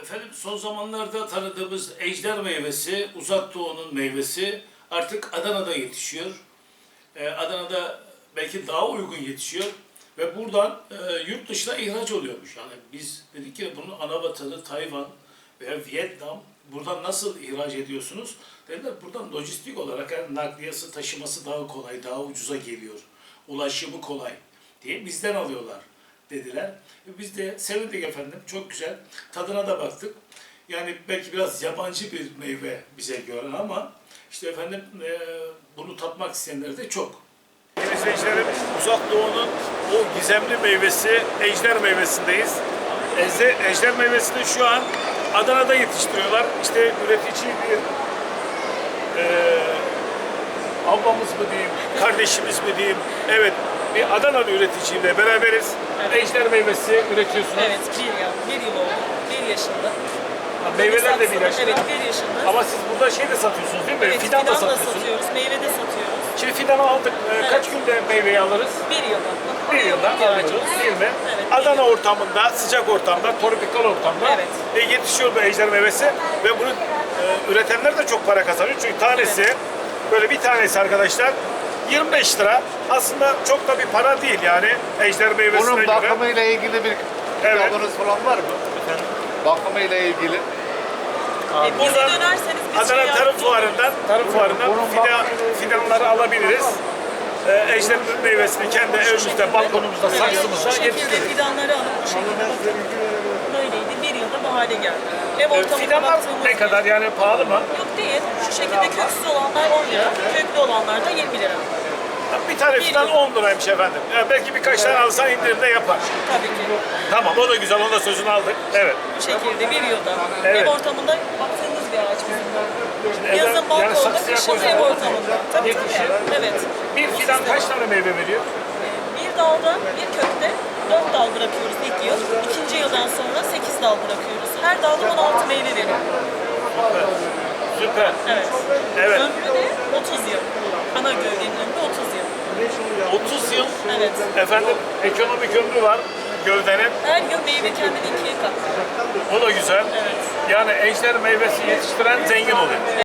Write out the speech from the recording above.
Efendim son zamanlarda tanıdığımız ejder meyvesi, Uzak Doğu'nun meyvesi artık Adana'da yetişiyor. Adana'da belki daha uygun yetişiyor ve buradan yurt dışına ihraç oluyormuş. Yani biz dedik ki bunun ana vatanı Tayvan veya Vietnam, buradan nasıl ihraç ediyorsunuz? Dediler buradan lojistik olarak yani nakliyesi, taşıması daha kolay, daha ucuza geliyor. Ulaşımı kolay diye bizden alıyorlar dediler. Biz de sevindik efendim. Çok güzel. Tadına da baktık. Yani belki biraz yabancı bir meyve bize göre ama işte efendim bunu tatmak isteyenler de çok. İzleyicilerim, Uzak Doğu'nun o gizemli meyvesi, ejder meyvesindeyiz. Ejder meyvesini şu an Adana'da yetiştiriyorlar. İşte üretici bir ablamız mı diyeyim, kardeşimiz mi diyeyim. Evet, bir Adanalı üreticiyle beraberiz. Evet. Ejder meyvesi üretiyorsunuz. Evet, bir yıl oldu. 1 yaşında. Meyveler de bir yaşında. Evet, 1 yaşında. Ama siz burada şey de satıyorsunuz değil mi? Evet, Fidan da da satıyorsunuz. satıyoruz, meyve de satıyoruz. Şimdi fidanı aldık. Kaç günde meyveyi alırız? 1 yılda. Bir yılda alıyoruz değil mi? Evet, Adana ortamında, sıcak ortamda, tropikal ortamda Evet. yetişiyor bu ejder meyvesi ve bunu üretenler de çok para kazanıyor. Çünkü tanesi, böyle bir tanesi arkadaşlar 25 lira. Aslında çok da bir para değil yani ejder meyvesine Bunun göre. bakımıyla ilgili bir Evet. kitabınız falan var mı? Bakımıyla ilgili. Bize dönerseniz biz Adana Tarım yardımcı Fuarı'ndan Bunun fidanları alabiliriz. Ejder meyvesini kendi evimizde, balkonumuzda, oluruz. saksımızda Bu şekilde yetiştiririz. fidanları alıp bu şekilde bakın. Böyleydi, 1 yılda bu hale geldi. Ev ortamına Fidanlar baktığımız ne kadar yani pahalı mı? Yok değil. Şu şekilde köksüz olanlar 10 lira, köklü olanlar da 20 lira. Bir tane fidan 10 liraymış efendim. Yani belki birkaç tane alsan indirimde yapar. Tabii ki. Tamam, o da güzel, onun da sözünü aldık. Evet. Bu şekilde 1 yılda. Evet. Ev ortamında baktığımız bir ağaç bizim. Evden- Yazın yani balkonda, saksıya kışın koysan ev olur mu? ortamında. Tabii Yetişir. tabii. Evet. Bir Bu fidan sistem. kaç tane meyve veriyor? Bir dalda, bir kökte 4 dal bırakıyoruz ilk yıl. İkinci yıldan sonra 8 dal bırakıyoruz. Her dalda 16 meyve veriyor. Süper. Evet. Evet. Ömrü de 30 yıl. Ana gövdenin ömrü 30 yıl. 30 yıl Evet. efendim ekonomik ömrü var gövdenin. Her yıl meyve kendini 2'ye katlıyor. O da güzel. Evet. Yani ejder meyvesi yetiştiren zengin oluyor.